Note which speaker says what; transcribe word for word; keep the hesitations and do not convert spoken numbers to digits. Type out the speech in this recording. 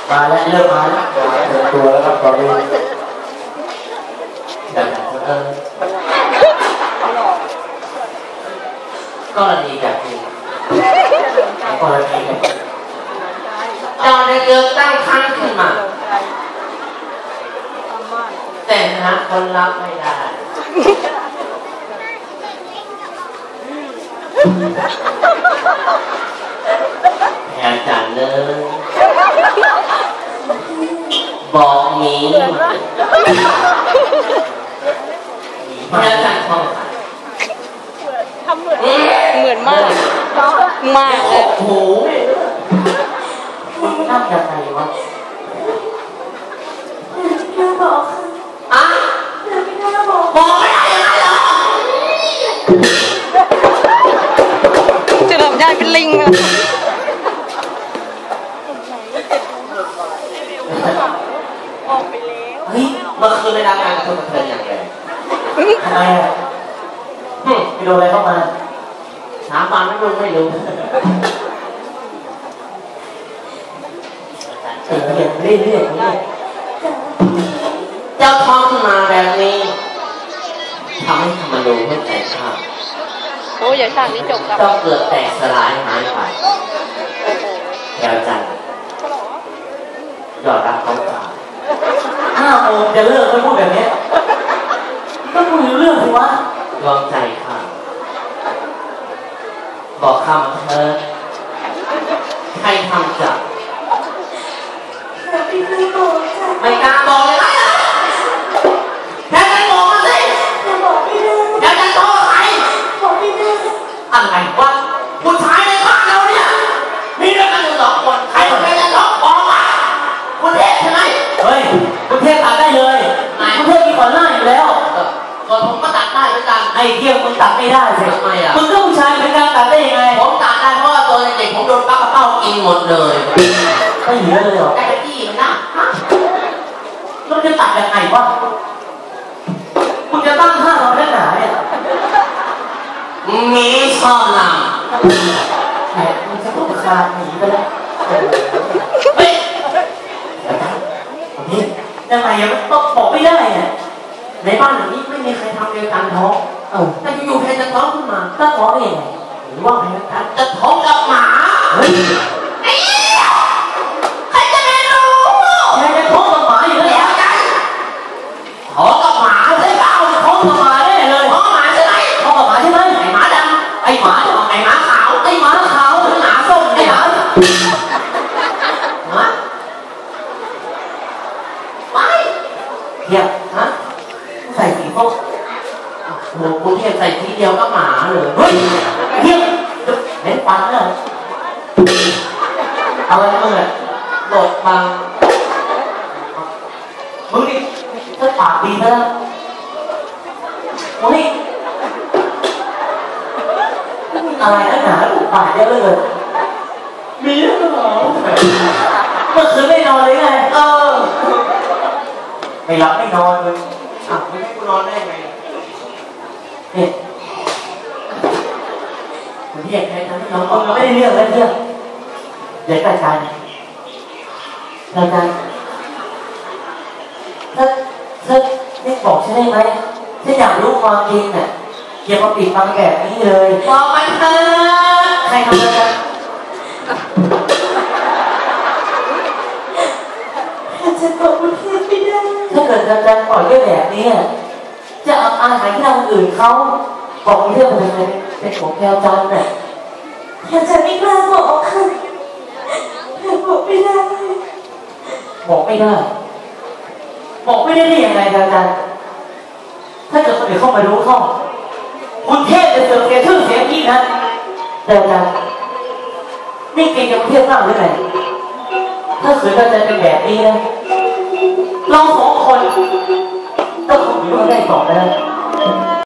Speaker 1: มาแล้วเริ่มมาแล้วเปิดตัวแล้วครับตอนนี้ดังเออก็ดีแบบนี้ก็ดีแบบเจ้าได้เกิดตั้งครั้งขึ้นมาแต่หาคนรับไม่ได้แทนจันเลยบอกหมีแทนจันทอง
Speaker 2: ทำเหมือนเหมือนมากมากเลย
Speaker 1: โอ้โหมันน่าจะไงวะ
Speaker 3: ไม่บอก
Speaker 1: อ่ะ
Speaker 3: ไม่ได้บอก
Speaker 1: บอกไม่ได้ยังไงเหรอ
Speaker 2: จะทำได้เป็นลิงเลยออกไปแล้ว
Speaker 1: เฮ้ยเมื่อคืนในรายการคุณเธออย่างไรทำไมอ่ะไปโดนอะไรเข้ามาถามมาไม่รู้ไม่รู้เออเรื่อยเรื่อยเรื่อยเจ้าท้องขึ้นมาแบบนี้ทำให้ธรรมนูญเข้าใจข้า
Speaker 2: โอ้ยอย่าฉากนี้จบกับ
Speaker 1: ต้องเกิดแตกสลายหายไปแถวจันยอดรักเขาตายห้าโมงจะเลิกไม่พูดแบบนี้ก็พูดเรื่องสิวะลองใจข้าบอกข้ามาเถิดใครทำจับ
Speaker 3: ไม่บอก
Speaker 1: ไม่กล้าบอกเลยไหมแค่จะบอกมาสิ
Speaker 3: บอกไม่ได้
Speaker 1: แค่จะโทษใคร
Speaker 3: บอกไม่ได้
Speaker 1: อะไรวะผู้ชายในบ้านเราเนี่ยมีเรื่องกันอยู่สองคนใครคนใดจะร้องบอกมาคุณเทพใช่ไหมเฮ้ยคุณเทพตัดได้เลยคุณเทพมีก่อนหน้าอยู่แล้วก่อนผมก็ตัดได้เหมือนกันไอ้เที่ยวมึงตัดไม่ได้สิทำไมอ่ะมึงก็ผู้ชายเหมือนกันตัดได้ยังไงผมตัดได้เพราะว่าตัวเด็กผมโดนปลากระเป้ากินหมดเลยไม่เหลือเลยหรอได้ที่มันนะแล้วจะตัดยังไงวะคุณจะตั้งท่าเราแค่ไหนเนี่ยมีชอบนำแหมมึงจะต้องคาหนีไปแล้วเฮ้ยนี่ยังไงยังต้องบอกไม่ได้เนี่ยในบ้านหลังนี้ไม่มีใครทำเดียวกันท้องเออแต่อยู่ๆใครจะท้องขึ้นมาก็ท้องเองหรือว่าใครจะท้องกับหมาเฮ้ยใครจะไม่รู้ใครจะท้องกับหมาอยู่แล้วกันท้องกับหมาใช่เปล่าท้องกับหมาแน่เลยท้องกับหมาใช่ไหมท้องกับหมาใช่ไหมไอ้หมาดำไอ้หมาไอ้หมาขาวไอ้หมาขาวหรือหมาส้มไอ้หมาฮะไม่เดี๋ยวฮะใส่สีส้มโอ้โหคุณเทียบใส่ทีเดียวก็หมาเลยเฮ้ยเทียบเห็นฟันเลยเอาอะไรมึงอ่ะโดดมามึงนี่ถ้าปากดีนะมึงนี่อะไรนักหนาถูกปากเยอะเลยมีเหรอเมื่อคืนไม่นอนเลยไงเออไม่หลับไม่นอนเลยอ่ะไม่ให้กูนอนได้ไงเนี่ยผมที่อยากใช้ทำให้น้องเออไม่ได้เรื่องแล้วเรื่องเดี๋ยวอาจารย์อาจารย์ถ้าถ้าไม่บอกฉันได้ไหมฉันอยากรู้ความจริงน่ะอย่ามาปิดบังแบบนี้เลยบอกมันเถอะใครทำอะไร
Speaker 3: ฉันบอกคุณเทพไม่ได้
Speaker 1: ถ้าเกิดอาจารย์ปล่อยเรื่องแบบนี้จะเอาอาหารที่เราคนอื่นเขาบอกเรื่องอะไรเป็นของแก้วจันเนี่ย
Speaker 3: ฉันไม่กล้าบอกค่ะบอกไม่ได้
Speaker 1: บอกไม่ได้บอกไม่ได้ได้ยังไงอาจารย์ถ้าเกิดคนอื่นเข้ามารู้เข้าคุณเทพจะเสื่อมเสียชื่อเสียงอีกนะแต่อาจารย์นี่เก่งกับเทพมากหรือไงถ้าเกิดอาจารย์เป็นแบบนี้นะเราสองคนต้องคงอยู่ได้ต่อไปนะ